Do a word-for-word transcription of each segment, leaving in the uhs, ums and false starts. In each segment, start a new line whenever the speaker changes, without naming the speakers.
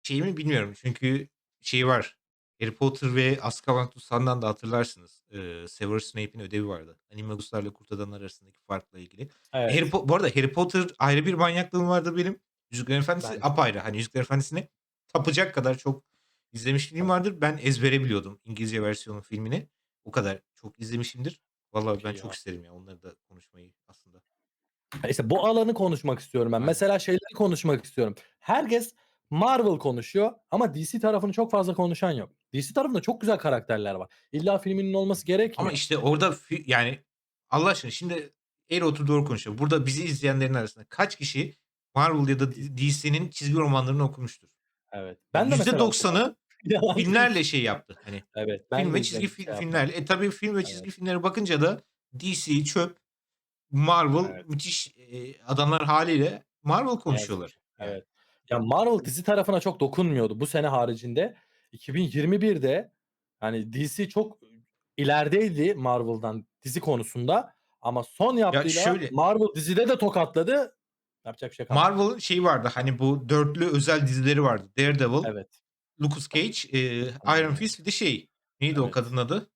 Şeyi mi bilmiyorum çünkü şey var, Harry Potter ve Azkaban Tutsağı'ndan da hatırlarsınız. Eee, Severus Snape'in ödevi vardı. Animagus'larla Kurt Adamlar arasındaki farkla ilgili. Harry
Evet.
Po bu arada Harry Potter ayrı bir manyaklığım vardır benim. Yüzüklerin Efendisi
Ben de.
apayrı. Hani, Yüzüklerin Efendisi'ni tapacak kadar çok izlemişliğim
Tabii.
vardır. Ben ezbere biliyordum İngilizce versiyonun filmini. O kadar çok izlemişimdir. Vallahi
Çok
ben
iyi
çok
ya.
isterim ya onları da konuşmayı aslında.
Ya, işte bu alanı konuşmak istiyorum ben.
Aynen.
Mesela şeyleri konuşmak istiyorum. Herkes Marvel konuşuyor ama D C tarafını çok fazla konuşan yok. D C tarafında çok güzel karakterler var. İlla filminin olması
Ama,
gerekmiyor.
işte, orada fi yani, Allah aşkına şimdi eğri otur doğru konuşalım. Burada bizi izleyenlerin arasında kaç kişi Marvel ya da
Di
D DC'nin çizgi romanlarını okumuştur?
Evet.
Ya,
Ben de mesela okumadım.
yüzde doksanı
Yalan değil.
filmlerle şey yaptı, hani,
Evet,
film
ben de
ve çizgi
izledim,
fi
şey yapmadım.
filmlerle. E, tabii film ve
Evet,
çizgi filmlere bakınca da D C çöp, Marvel
evet.
müthiş, eee, adamlar hâliyle Marvel
Ne yazık ki.
konuşuyorlar yani.
Evet. Ya, Marvel dizi tarafına çok dokunmuyordu bu sene haricinde. iki bin yirmi birde hani D C çok ilerideydi Marvel'dan dizi konusunda ama son
Ya,
yaptığıyla
şöyle,
Marvel dizide de tokatladı. Yapacak bir şey kalmadı.
Marvel'ın şeyi vardı, hani, bu dörtlü özel dizileri vardı. Daredevil,
Evet.
Luke Cage, eee, Iron
Hımm.
Fist bir de şey, neydi o
Evet.
kadının adı?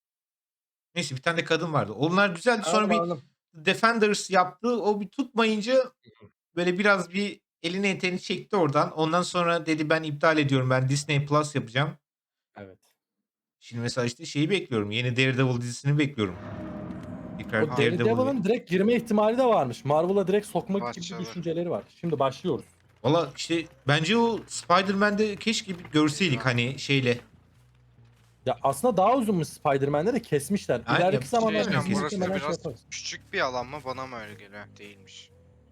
Neyse bir tane de kadın vardı. Onlar güzeldi. Sonra
Anladım,
bir
anladım.
Defenders yaptı. O bir tutmayınca böyle biraz bir elini eteğini çekti oradan. Ondan sonra dedi ben iptal ediyorum. Ben Disney Plus yapacağım.
Evet.
Şimdi mesela işte şeyi bekliyorum. Yeni Daredevil dizisini bekliyorum. Tekrar
O
Daredevil ve
Daredevil'ın direkt girme ihtimali de varmış. Marvel'a direkt sokmak gibi bir
Başladı.
düşünceleri var. Şimdi başlıyoruz.
valla işte bence o Spider-Man'de keşke bir görseydik
Eyvah.
hani şeyle.
Ya, aslında daha uzunmuş Spider-Man'de de kesmişler.
Ha, ya
İleriki
bir şey
Şey
zamanlarda
diyeceğim
diyeceğim,
diziyi
burası
kesmişler.
muhtemelen şey
biraz
yaparız.
küçük bir alan mı? Bana mı öyle geliyor? Değilmiş.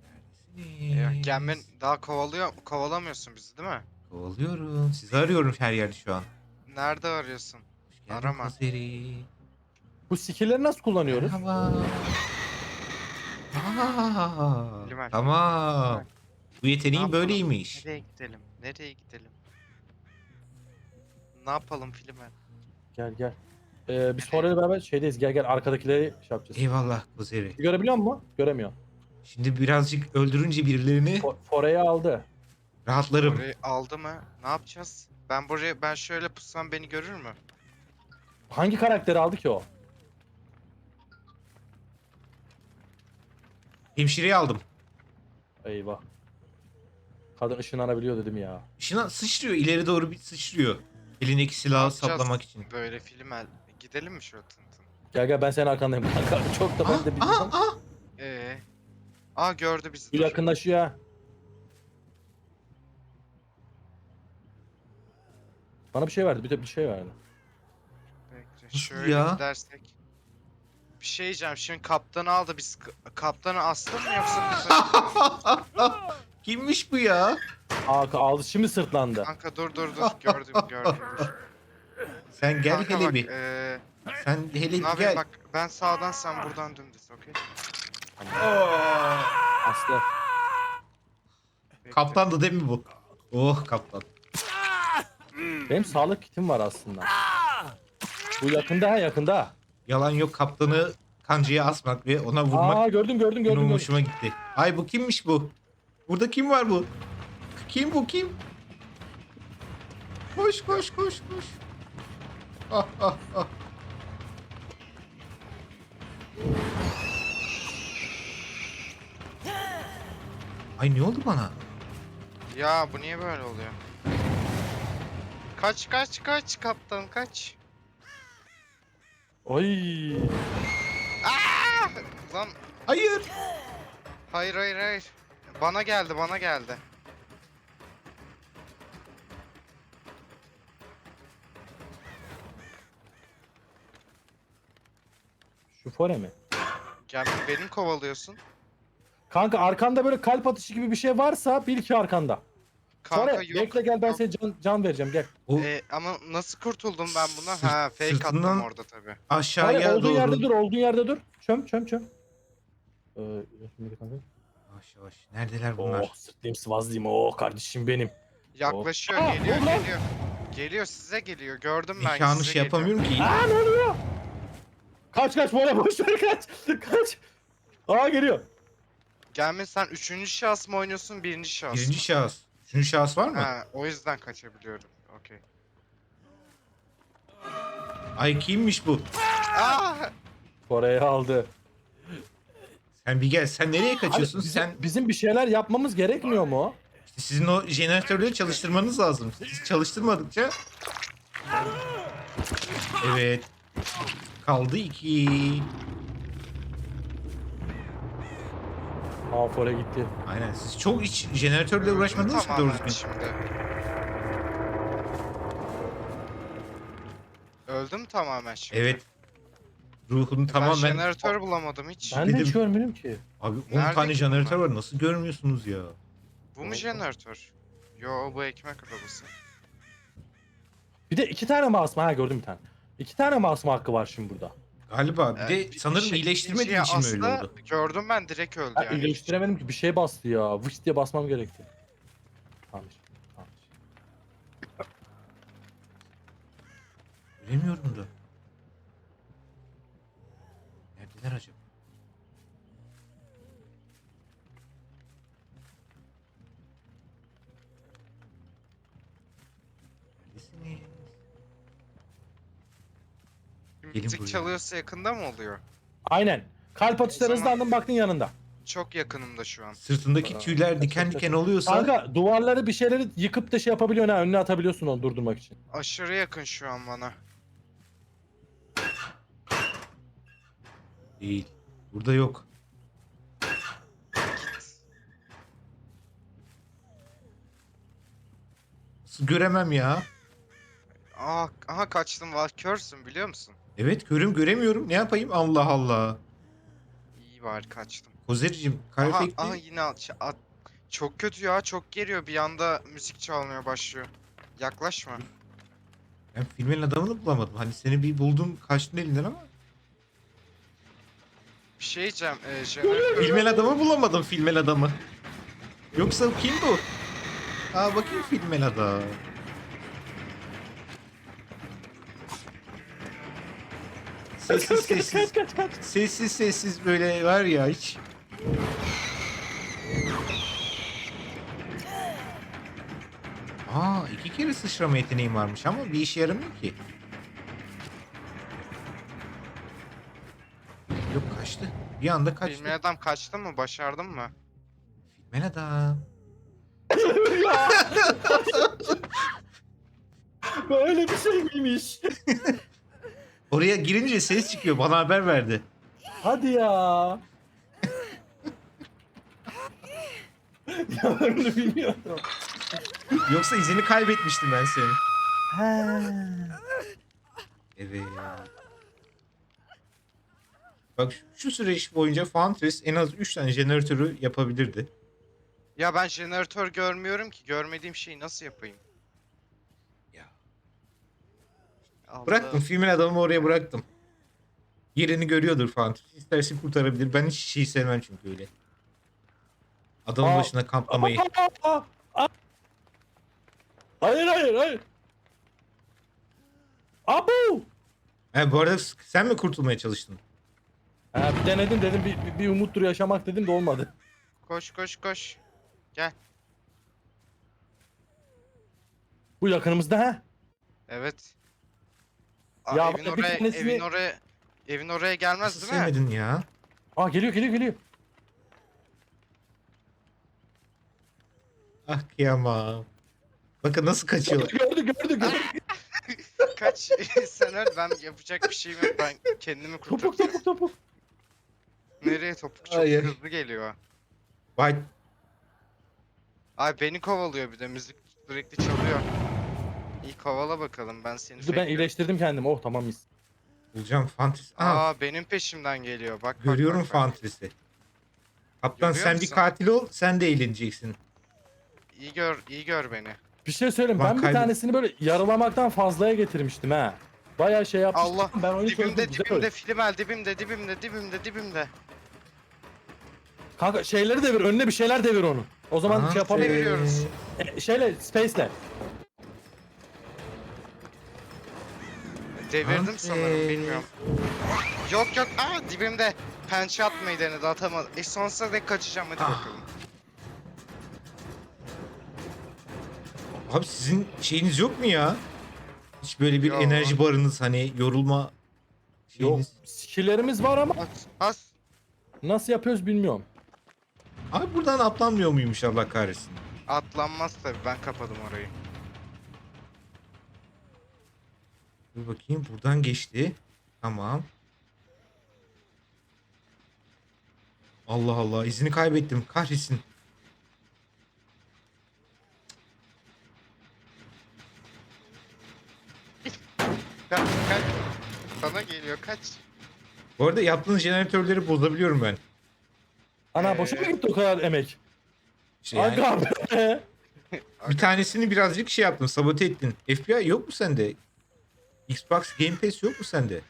Eyvah. Gelmen
Neredesiniz?
daha kovalıyor, kovalamıyorsun bizi değil mi?
Kovalıyorum. Sizi arıyorum her yerde şu an.
Nerede arıyorsun?
Hoş geldin
Arama.
Kozeri.
Bu skill'leri nasıl kullanıyoruz?
Merhaba. A!
Limer.
Tamam.
Limer.
Bu
Ne
yeteneğin
yapalım?
böyleymiş.
Nereye gidelim? Nereye gidelim? Ne yapalım Filimer?
Gel, gel. Eee, biz
Nereye?
Fora'yla beraber şeydeyiz. Gel, gel arkadakileri şey yapacağız.
Eyvallah Kozeri.
Bizi görebiliyor musun? Göremiyor.
Şimdi birazcık öldürünce birilerini
Fo Fora'yı aldı.
rahatlarım.
Orayı aldı mı? Ne yapacağız? Ben buraya ben şöyle pussam beni görür mü?
Hangi karakteri aldı ki o?
Hemşireyi aldım.
Eyvah. Kadın ışınlanabiliyor dedim ya.
Işına sıçrıyor, ileri doğru bir sıçrıyor. Elindeki
Ne
silahı saplamak
yapacağız
için.
böyle Filimer? Gidelim mi şöyle tın tın?
Gel, gel ben senin arkandayım kanka. Çok da
Ah!
ben de
Ah!
bilmiyorum.
Ah!
Ee, aa gördü bizi
Bu
dur.
yakınlaşıyor ha. Bana bir şey verdi. Bir de bir şey verdi.
Bekle
Nasıl
şöyle
ya?
gidersek. Bir şey diyeceğim şimdi kaptanı aldı biz k- kaptanı astın mı yoksa biz açıkta mı?
Kimmiş bu ya?
Aa aldı şimdi sırtlandı.
Kanka dur dur dur gördüm gördüm dur.
Sen gel
Kanka
hele
bak
bir.
eee
Sen hele
ne
bir
yapayım
gel.
bak ben sağdan sen buradan dümdüz okey?
Aslı.
Bekle.
Kaptandı değil mi bu? Oh kaptan.
Benim sağlık kitim var aslında. Bu yakında ha yakında.
Yalan yok kaptanı kancaya asmak ve ona
Aa
vurmak
gördüm gördüm gördüm
benim
gördüm.
hoşuma gitti. Ay bu kimmiş bu? Burada kim var bu? Kim bu kim? Koş koş koş koş. Ah ah ah. Ay ne oldu bana?
Ya bu niye böyle oluyor? Kaç kaç kaç kaptan kaç.
Ay.
Aa! Lan
Hayır.
hayır hayır hayır. Bana geldi bana geldi.
Şu fore mi?
Gel beni mi kovalıyorsun?
Kanka arkanda böyle kalp atışı gibi bir şey varsa bil ki arkanda.
Kanka
Fore
yok.
bekle gel ben
Yok.
sana can, can vereceğim gel.
O
Ee, ama nasıl kurtuldum ben bundan?
sırt,
Ha fake attım
sırtından
orada tabi.
Fore
aşağıya
olduğun yerde
doğru.
dur olduğun yerde dur. Çöm çöm çöm. Ee, şimdi kanka.
Yavaş yavaş. Neredeler
Oh
bunlar?
sırtlayayım sıvazlayayım oh kardeşim benim. Oh.
Yaklaşıyor
Aa,
geliyor
dur lan.
geliyor. Geliyor size geliyor gördüm ben
Mekanı
size
şey
geliyor.
yapamıyorum ki.
Aa ne oluyor? Kaç kaç Fore boş ver kaç. Kaç. Aa geliyor.
Gelme sen üçüncü şahıs mı oynuyorsun birinci şahıs
Birinci
mı?
şahıs. Üçüncü şahıs var mı?
Ha, o yüzden kaçabiliyorum. Okey.
Ay kimmiş bu?
Aa!
Oraya aldı.
Sen bir gel. Sen nereye
Abi
kaçıyorsun?
bizim,
Sen
bizim bir şeyler yapmamız gerekmiyor mu?
işte sizin o jeneratörleri çalıştırmanız lazım. Siz çalıştırmadıkça. Evet. Kaldı iki.
Aa Fore gitti.
Aynen. Siz çok hiç jeneratörle uğraşmadınız mı doğru
Tamamen
düzgün?
şimdi. Öldüm tamamen şimdi.
Evet. Ruhunu
Ben
tamamen...
jeneratör bulamadım hiç.
Ben de hiç
Dedim.
görmedim ki.
Abi on
Nerede
tane
ki
jeneratör
bunlar?
var. Nasıl görmüyorsunuz ya?
Bu mu jeneratör? Yo, bu ekmek arabası.
Bir de iki tane mouse ha gördüm bir tane. İki tane mouse hakkı var şimdi burada.
Galiba. Bir
Ee,
de
bir-
sanırım
bir şey-
iyileştirmediği
ikinciye
için mi öyle
asla
oldu?
Gördüm ben, direkt öldü
Ha,
yani.
iyileştiremedim ki bir şey bastı ya. Vış diye basmam gerekti. Tamam. Tamam.
Bilemiyorum da. Neredeler acaba? Neredesiniz? Gelin
Müzik
buraya.
çalıyorsa yakında mı oluyor?
Aynen. Kalp atışları
O zaman-
hızlandın baktın yanında.
Çok yakınımda şu an.
Sırtındaki
Aa,
tüyler diken
kaç, kaç,
diken
kaç.
oluyorsa
Kanka duvarları bir şeyleri yıkıp da şey yapabiliyorsun ha önüne atabiliyorsun onu durdurmak için.
Aşırı yakın şu an bana.
değil. Burada yok. Nasıl göremem ya?
Aa, aha kaçtım, var körsün biliyor musun?
Evet görüm göremiyorum. Ne yapayım? Allah Allah.
İyi var, kaçtım.
Kozericim kar
Aha,
efekti.
aha yine at, at. Çok kötü ya, çok geliyor, bir anda müzik çalmaya başlıyor. Yaklaşma.
Ben filmin adamını bulamadım. Hani seni bir buldum kaçtın elinden ama.
Bir şey diyeceğim. E, jeneratör...
Filmin adamı bulamadım filmin adamı. Yoksa kim bu? Aa bakayım filmin adam. Sessiz sessiz.
Kaç kaç kaç.
Sessiz sessiz böyle var ya hiç. Aa iki kere sıçrama yeteneğim varmış ama bir işe yaramıyor ki. Yok kaçtı. Bir anda kaçtı.
Filmin adam kaçtı mı? Başardın mı?
Filmin adam.
Böyle bir şey miymiş?
Oraya girince ses çıkıyor. Bana haber verdi.
Hadi ya. Ya ben bunu bilmiyordum.
Yoksa izini kaybetmiştim ben senin.
He.
Evet. Bak şu, şu süreç boyunca Fantres en az üç tane jeneratörü yapabilirdi.
Ya ben jeneratör görmüyorum ki. Görmediğim şeyi nasıl yapayım?
Ya.
Allah.
Bıraktım. Filmin adamı oraya bıraktım. Yerini görüyordur Fantres. İsterse kurtarabilir. Ben hiç şey sevmem çünkü öyle. Adamın
Aa,
başına kamplamayı.
Aa, aa, aa. Hayır hayır hayır. Abu.
He, bu arada sen mi kurtulmaya çalıştın?
Ha, bir denedim dedim bir, bir, bir umuttur yaşamak dedim de olmadı.
Koş koş koş.
Bu yakınımızda ha.
Evet. Aa,
Ya
evin
bak, bir
oraya,
tanesini-
evin oraya, evin oraya gelmez
Nasıl
değil mi?
sevmedin ya?
Aa geliyor geliyor geliyor.
Ah kıyamam. Bakın nasıl kaçıyor.
Gördü gördü gördü.
Kaç sen öl, ben yapacak bir şeyim yok. Ben kendimi
Topuk
kurtaracağım.
topuk topuk.
Nereye topuk? Çok
Hayır.
hızlı geliyor.
Vay.
Ay beni kovalıyor, bir de müzik sürekli çalıyor. İyi kovala bakalım, ben seni
Dur ben
bekliyorum.
iyileştirdim kendimi. Oh tamam mis.
Bulacağım Fantres. Aa,
Aa, benim peşimden geliyor. Bak bak,
görüyorum
bak, bak.
Fantres'i. Kaptan
Görüyor
sen bir
musun?
katil ol. Sen de eğleneceksin.
İyi gör, iyi gör beni.
Bir şey söyleyeyim.
Lan
Ben bir
kaybet-
tanesini böyle yarılamaktan fazlaya getirmiştim ha. Bayağı şey yapmıştım.
Allah,
Ben oyunu çözdüm.
Dibimde,
Güzel
dibimde,
oyun.
Filimel dibimde, dibimde, dibimde, dibimde.
Kanka şeyleri devir. Önüne bir şeyler devir onu. O zaman
Aha,
şey yapalım.
devir. deviriyoruz.
E, şeyle space'le.
Devirdim
Fantres.
sanırım, bilmiyorum. Yok yok, aa dibimde. Pençe atmayı denedi, atamadı. E sonsuza dek kaçacağım, hadi
Ah.
bakalım.
Abi sizin şeyiniz yok mu ya? Hiç böyle bir
Yo.
enerji barınız hani yorulma
Yok.
şeyiniz.
Skill'lerimiz var ama
Bas bas.
nasıl yapıyoruz bilmiyorum.
Abi buradan atlanmıyor muymuş Allah kahretsin.
Atlanmaz tabii, ben kapadım orayı.
Dur bakayım buradan geçti. Tamam. Allah Allah izini kaybettim kahretsin.
Kaç kaç. Sana geliyor, kaç.
Bu arada yaptığınız jeneratörleri bozabiliyorum ben.
Ana
Ee,
boşa mı gitti o kadar emek?
İşte yani
Aga be.
bir tanesini birazcık şey yaptın sabote ettin. F B I yok mu sende? Xbox Game Pass yok mu sende?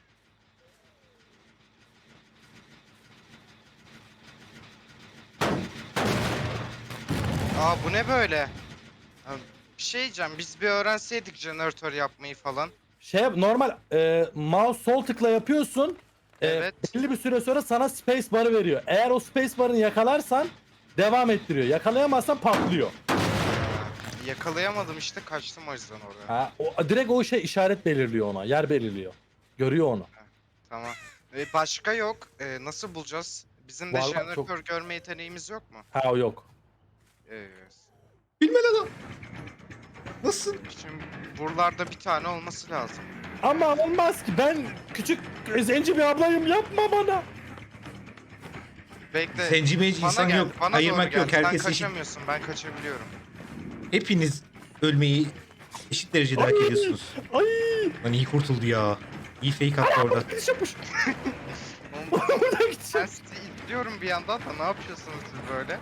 Aa, bu ne böyle? Ya, bir şey diyeceğim, biz bir öğrenseydik jeneratör yapmayı falan.
Şey yap- normal e, mouse sol tıkla yapıyorsun. E,
Evet.
Belli bir süre sonra sana space bar'ı veriyor. Eğer o space bar'ını yakalarsan devam ettiriyor. Yakalayamazsan patlıyor.
Aa, yakalayamadım işte, kaçtım o yüzden oraya.
Ha, o, direkt o şey işaret belirliyor ona. Yer belirliyor. Görüyor onu.
Tamam. Ve başka yok. Ee, nasıl bulacağız? Bizim de
Var var,
jeneratör
çok-
görme yeteneğimiz yok mu?
Ha o yok.
Evet.
Bilmem adam. Nasıl?
Şimdi buralarda bir tane olması lazım.
Ama olmaz ki, ben küçük zenci bir ablayım, yapma bana.
Bekle.
Zenci menci
bana
insan
gel,
yok.
bana
Ayırmak
doğru
yok.
gel. Sen
Herkes eşit.
kaçamıyorsun, ben kaçabiliyorum.
Hepiniz ölmeyi eşit derecede hak
Ay.
ediyorsunuz.
Ay.
Lan iyi kurtuldu ya. İyi fake attı orada.
Gidiş yapmış.
Oğlum,
Buradan gidiş
ben
yapmış.
sizi izliyorum bir yandan da, ne yapıyorsunuz siz böyle?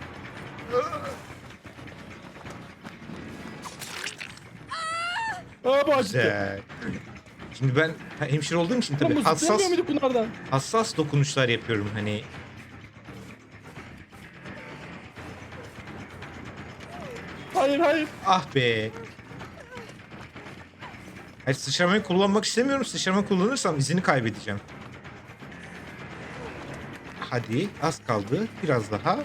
Aa bu acıttı.
Güzel. Şimdi ben ha, hemşire olduğum için
Tabii,
tabii hassas
muyduk bunlardan?
hassas dokunuşlar yapıyorum hani.
Hayır hayır.
Ah be. Hayır sıçramayı kullanmak istemiyorum. Sıçrama kullanırsam izini kaybedeceğim. Hadi az kaldı. Biraz daha.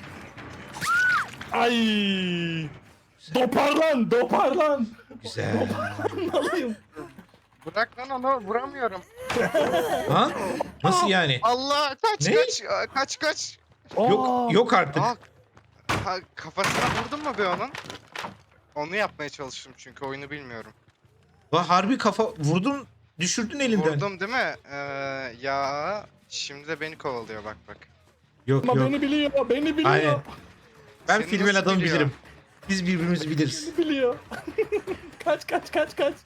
Ay. Doparlan, doparlan.
Güzel.
Alayım.
Bırak lan onu, vuramıyorum.
Ha? Nasıl yani?
Allah, kaç
Ne?
kaç Aa, kaç kaç.
Yok yok artık.
Aa, ha, kafasına vurdun mu be onun? Onu yapmaya çalıştım çünkü oyunu bilmiyorum.
Bak harbi kafa vurdun düşürdün elinden.
Vurdum değil mi? Ee, ya şimdi de beni kovalıyor, bak bak.
Yok
Ama
yok.
beni biliyor, beni biliyor.
Aynen. Ben
Seni
filmin
nasıl
adamı
biliyor?
bilirim. Biz birbirimizi biliriz.
Beni biliyor. Kaç kaç kaç kaç.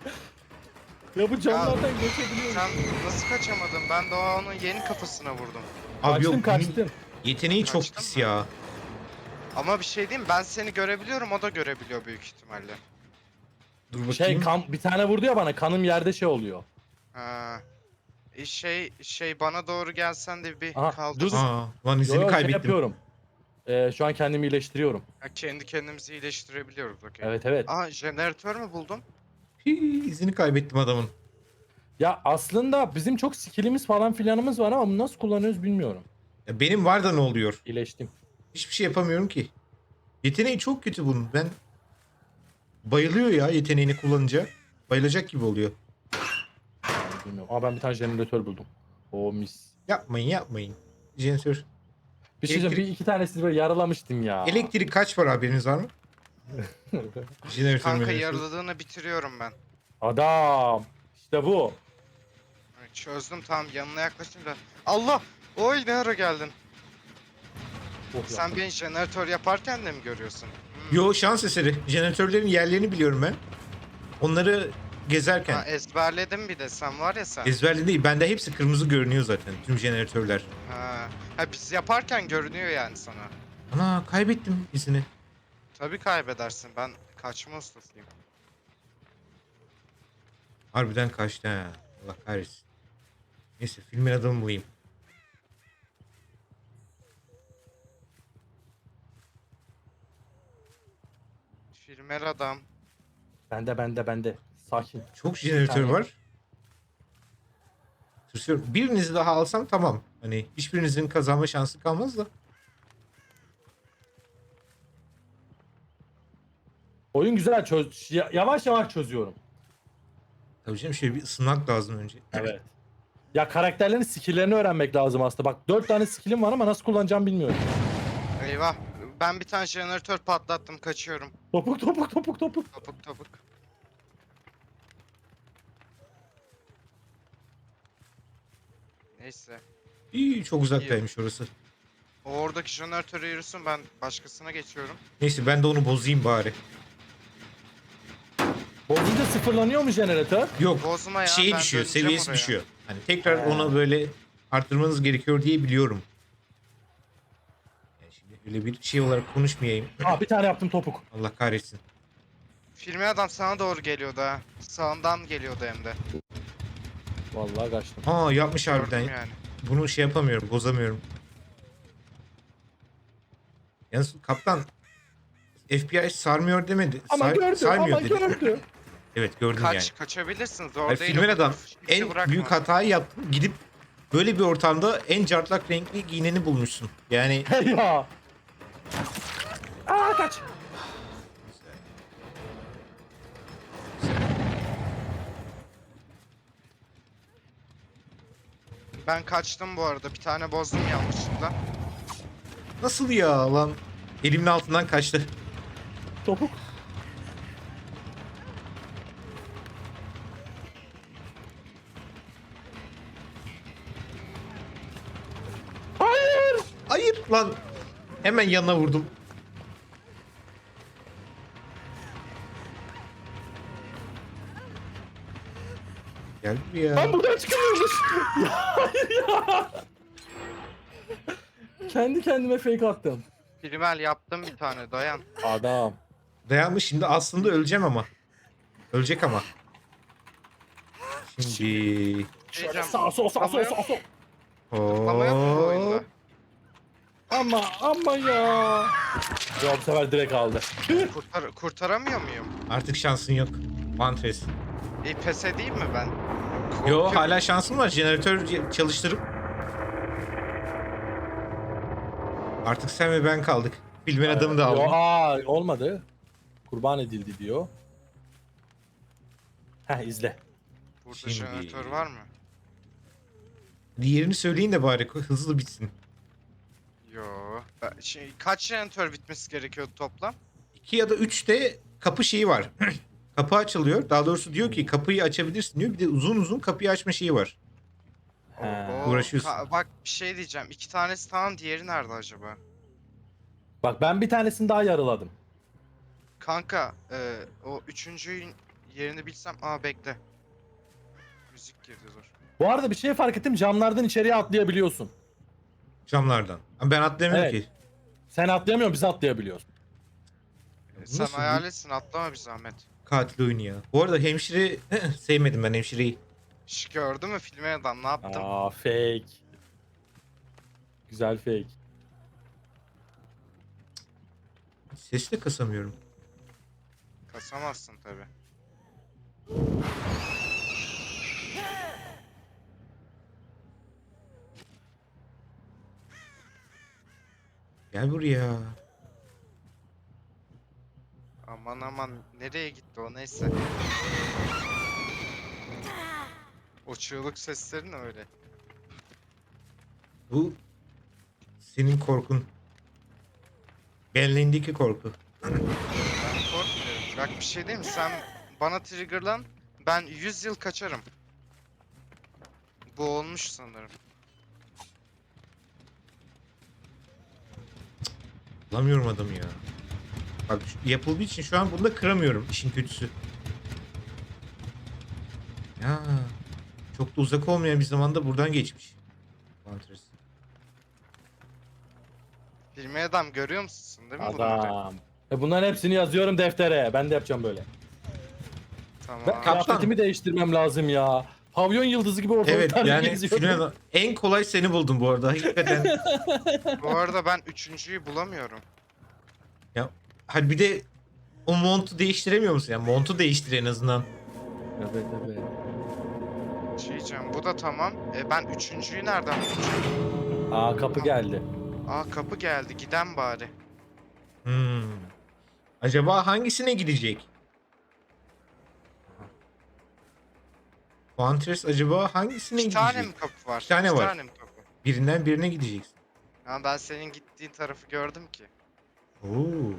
Ya bu camlardan geçebiliyor.
Sen nasıl kaçamadın? Ben de o onun yeni kafasına vurdum.
Abi
Kaçtım
yok.
kaçtım.
Yeteneği çok
Kaçtın
pis
mı?
ya.
Ama bir şey diyeyim, ben seni görebiliyorum, o da görebiliyor büyük ihtimalle.
Dur bakayım.
Şey kan, bir tane vurdu ya bana, kanım yerde şey oluyor.
Ha. E şey şey bana doğru gelsen de bir
Aha,
kaldır.
dur.
Aa, lan
Yo,
izini
yo, şey
kaybettim.
yapıyorum. Ee, şu an kendimi iyileştiriyorum.
Ha, kendi kendimizi iyileştirebiliyoruz, okey.
Evet evet.
Aa, jeneratör mü buldum?
Hii, izini kaybettim adamın.
Ya aslında bizim çok skillimiz falan filanımız var ama bunu nasıl kullanıyoruz bilmiyorum.
Ya benim var da ne oluyor?
İyileştim.
Hiçbir şey yapamıyorum ki. Yeteneği çok kötü bunun. Ben bayılıyor ya yeteneğini kullanınca. Bayılacak gibi oluyor.
Bilmiyorum. Aa ben bir tane jeneratör buldum. O mis.
Yapmayın yapmayın. Jeneratör.
Bir şey diyeceğim,
Elektrik-
bir iki tanesini böyle yaralamıştım ya.
Elektrik kaç var haberiniz var mı? Jeneratör
Kanka,
jeneratör.
yarıladığını bitiriyorum ben.
Adam. İşte bu.
Evet, çözdüm, tamam, yanına yaklaşınca. Allah! Oy, ne ara geldin?
Oh,
Sen
yaptım.
beni jeneratör yaparken de mi görüyorsun? Hmm.
Yo şans eseri. Jeneratörlerin yerlerini biliyorum ben. Onları gezerken.
Ha, ezberledim bir de, sen var ya sen.
Ezberli değil. Bende hepsi kırmızı görünüyor zaten. Tüm jeneratörler.
Ha. ha, biz yaparken görünüyor yani sana.
Ana kaybettim izini.
Tabii kaybedersin, ben kaçma ustasıyım.
Harbiden kaçtı ha. Allah kahretsin. Neyse filmin adamı bulayım.
Filmer adam.
Bende bende bende. Sakin.
Çok jeneratör
tane.
var. Tırsıyorum. Birinizi daha alsam tamam. Hani hiçbirinizin kazanma şansı kalmaz da.
Oyun güzel çöz ya- yavaş yavaş çözüyorum.
Tabii canım şöyle bir ısınmak lazım önce.
Evet. Ya karakterlerin skill'lerini öğrenmek lazım aslında. Bak dört tane skill'im var ama nasıl kullanacağımı bilmiyorum.
Eyvah. Ben bir tane jeneratör patlattım. Kaçıyorum.
Topuk topuk topuk topuk.
Topuk topuk. Neyse.
İyi, çok uzaktaymış orası.
O oradaki jeneratörü yürüsün, ben başkasına geçiyorum.
Neyse ben de onu bozayım bari.
Bozunca sıfırlanıyor mu jeneratör?
Yok.
Bozma ya,
Şeyi
ben
düşüyor,
döneceğim
seviyesi
oraya.
düşüyor. Hani tekrar
He.
ona böyle arttırmanız gerekiyor diye biliyorum. Yani şimdi öyle bir şey olarak konuşmayayım.
Aa bir tane yaptım topuk.
Allah kahretsin.
Filmi adam sana doğru geliyordu ha. Sağından geliyordu hem de.
Vallahi kaçtım.
Aa yapmış harbiden.
Gördüm yani.
Bunu şey yapamıyorum, bozamıyorum. Yalnız kaptan F B I sarmıyor demedi.
Ama
Sar-
gördü
sarmıyor
ama
dedi.
gördü.
Evet gördüm
Kaç,
yani.
kaçabilirsin, zor
Hayır,
değil.
filmin
o.
adam
Kimse
en
bırakmaz.
büyük hatayı yaptın. Gidip böyle bir ortamda en cartlak renkli giyineni bulmuşsun. Yani
Hey ya. Aa kaç.
Ben kaçtım bu arada. Bir tane bozdum yanlışlıkla.
nasıl ya lan? Elimin altından kaçtı.
Topuk. Hayır.
Hayır lan. Hemen yanına vurdum. Gel buraya.
Ben buradan çıkamıyormuş. Ya hayır ya. Kendi kendime fake attım.
Filmel yaptım bir tane, dayan.
Adam.
Dayanmış şimdi aslında öleceğim ama. Ölecek ama. Şimdi.
Şöyle
Diyeceğim,
sağ sol sağ sol sağ sol.
Ama yok mu bu oyunda?
Hop.
Ama ama ya. Ya bu sefer direkt aldı.
Kurtar, kurtaramıyor muyum?
Artık şansın yok. Mantres.
E, pes edeyim mi ben?
Yo
Korkuyorum.
hala şansın var. Jeneratör çalıştırıp. Artık sen ve ben kaldık. Filmin adamı da
Yo,
aldım.
aa olmadı. Kurban edildi diyor. Heh izle.
Burada
Şimdi-
jeneratör var mı?
Diğerini söyleyin de bari hızlı bitsin.
Yo. Ben- Şey, kaç jeneratör bitmesi gerekiyordu toplam?
iki ya da üçte kapı şeyi var. Kapı açılıyor. Daha doğrusu diyor ki kapıyı açabilirsin diyor. Bir de uzun uzun kapıyı açma şeyi var.
He.
Oo,
Uğraşıyorsun.
ka- bak bir şey diyeceğim. İki tanesi tamam, diğeri nerede acaba?
Bak ben bir tanesini daha yarıladım.
Kanka e, o üçüncünün yerini bilsem. Aa bekle. Müzik girdi, dur.
Bu arada bir şey fark ettim. Camlardan içeriye atlayabiliyorsun.
Camlardan. Ama ben atlayamıyorum
Evet.
ki.
Sen atlayamıyorsun, biz atlayabiliyoruz.
E,
Bu
sen
nasıl bir
hayal etsin, atlama bir zahmet.
katil oyunu ya. Bu arada hemşire sevmedim ben hemşireyi.
Şş, gördün mü filmi adam, ne yaptım?
Aa fake. Güzel fake.
Sesi de kasamıyorum.
Kasamazsın tabi.
Gel buraya.
Aman aman, nereye gitti o, neyse. O çığlık sesleri ne öyle?
Bu senin korkun. Benliğindeki korku.
Ben korkmuyorum. Bak bir şey diyeyim mi? Sen bana triggerlan, ben yüz yıl kaçarım. Bu olmuş sanırım.
Bulamıyorum adamı ya. Bak şu- yapıldığı için şu an bunu da kıramıyorum. İşin kötüsü. Ya çok da uzak olmayan bir zamanda buradan geçmiş. Mantres.
Filmi adam görüyor musun değil mi bunları?
Adam. E bunların hepsini yazıyorum deftere. Ben de yapacağım böyle.
Tamam.
Ben
Kaptan.
kıyafetimi değiştirmem lazım ya. Pavyon yıldızı gibi
Evet
ortalıklarda
yani
geziyorum.
filmin en kolay seni buldum bu arada. Hakikaten.
Bu arada ben üçüncüyü bulamıyorum.
Ya hadi bir de o montu değiştiremiyor musun? Yani montu değiştir en azından.
Evet evet.
Şey diyeceğim, bu da tamam. E ben üçüncüyü nereden bulacağım?
Aa kapı geldi.
Aa kapı geldi, giden bari.
Hmm. Acaba hangisine gidecek? Huntress acaba hangisine
İki tane mi
gidecek?
kapı var?
İki tane
İki
var.
tane mi kapı?
Birinden birine gideceksin.
Ya ben senin gittiğin tarafı gördüm ki.
Oo.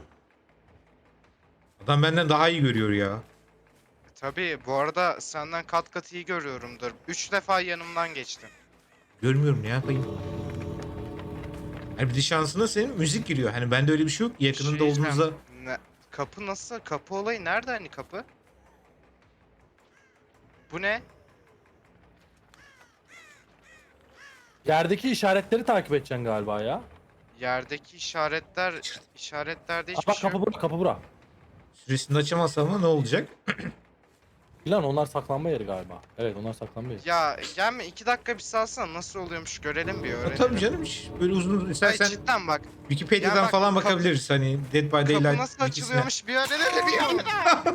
Adam benden daha iyi görüyor ya.
E, tabii bu arada senden kat kat iyi görüyorumdur. Üç defa yanımdan geçtin.
Görmüyorum, ne yapayım? Hani bir de şansına senin müzik giriyor. Hani bende öyle bir şey yok.
Bir
Yakınında
şey diyeceğim.
olduğunuzda
Ne? Kapı nasıl? Kapı olayı nerede hani kapı? Bu ne?
Yerdeki işaretleri takip edeceksin galiba ya.
Yerdeki işaretler, işaretlerde
Aa,
hiçbir
bak
şey
kapı
yok.
bura, kapı bura.
süresini açamazsam ama ne olacak?
Lan onlar saklanma yeri galiba. Evet, onlar saklanma yeri.
Ya gelme iki dakika bir salsana nasıl oluyormuş görelim bir
Ya
öğrenelim.
tabii canım, hiç böyle uzun uzun
Ay
istersen
cidden bak.
Wikipedia'dan
Ya bak,
falan
kapı-
bakabiliriz. Hani Dead by
Kapı
Daylight
nasıl
wikisine.
açılıyormuş bir öğrenelim ya.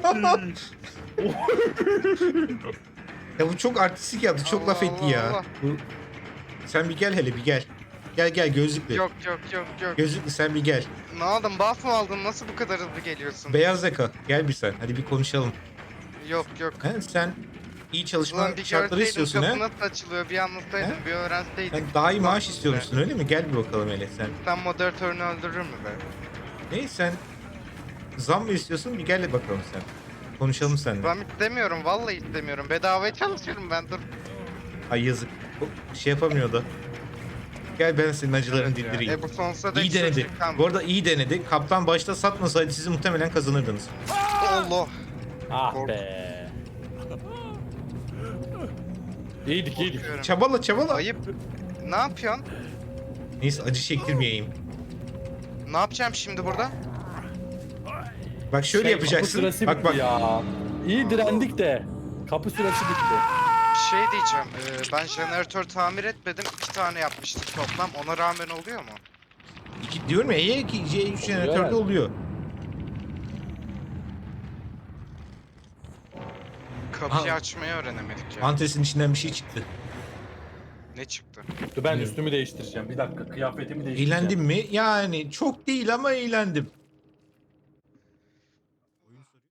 Ya bu çok artistik yaptı. Çok
Allah
laf etti
Allah
ya.
Allah.
Bu... Sen bir gel hele bir gel. Gel gel gözlüklü.
Yok yok yok yok.
Gözlüklü sen bir gel.
Ne aldın buff mı aldın nasıl bu kadar hızlı geliyorsun?
Beyaz yaka gel bir sen. Hadi bir konuşalım.
Yok yok.
He, sen iyi çalışma
Ulan bir
şartları
görseydin
istiyorsun
kapı
ha?
nasıl açılıyor bir anlatsaydın
He?
bir öğrenseydin.
Sen daha iyi maaş
Baktın
istiyormuşsun öyle mi? Gel bir bakalım hele sen.
be. Sen moderatörünü öldürür mü be?
Ne sen zam mı istiyorsun? Bir gel bakalım sen. Konuşalım seninle.
Ben istemiyorum vallahi istemiyorum. Bedavaya çalışıyorum ben dur.
Ay yazık. O şey yapamıyor da. Gel ben senin acılarını
Evet ya.
dindireyim.
E bu sonsuza dek
İyi denedi.
sürecek kan.
Bu arada iyi denedi. Kaptan başta satmasaydı sizi muhtemelen kazanırdınız.
Allah.
Ah
Kork-
be. İyiydik iyiydik.
Korkuyorum.
Çabala çabala.
Ayıp. Ne yapıyorsun?
Neyse acı çektirmeyeyim.
Ne yapacağım şimdi burada?
Bak şöyle
Şey, Kapı
yapacaksın.
süresi
Bak
bitti
bak.
ya. İyi direndik de. Kapı süresi bitti.
Bir şey diyeceğim. Ee, ben jeneratör tamir etmedim. İki tane yapmıştık toplam. Ona rağmen oluyor mu?
İki, diyorum ya E iki, C üç
Oluyor
jeneratörde
herhalde.
oluyor.
Kapıyı
Ha.
açmayı öğrenemedik ya.
Antresin içinden bir şey çıktı.
Ne çıktı?
Dur ben
Bilmiyorum.
üstümü değiştireceğim. Bir dakika kıyafetimi değiştireceğim.
Eğlendim mi? Yani çok değil ama eğlendim.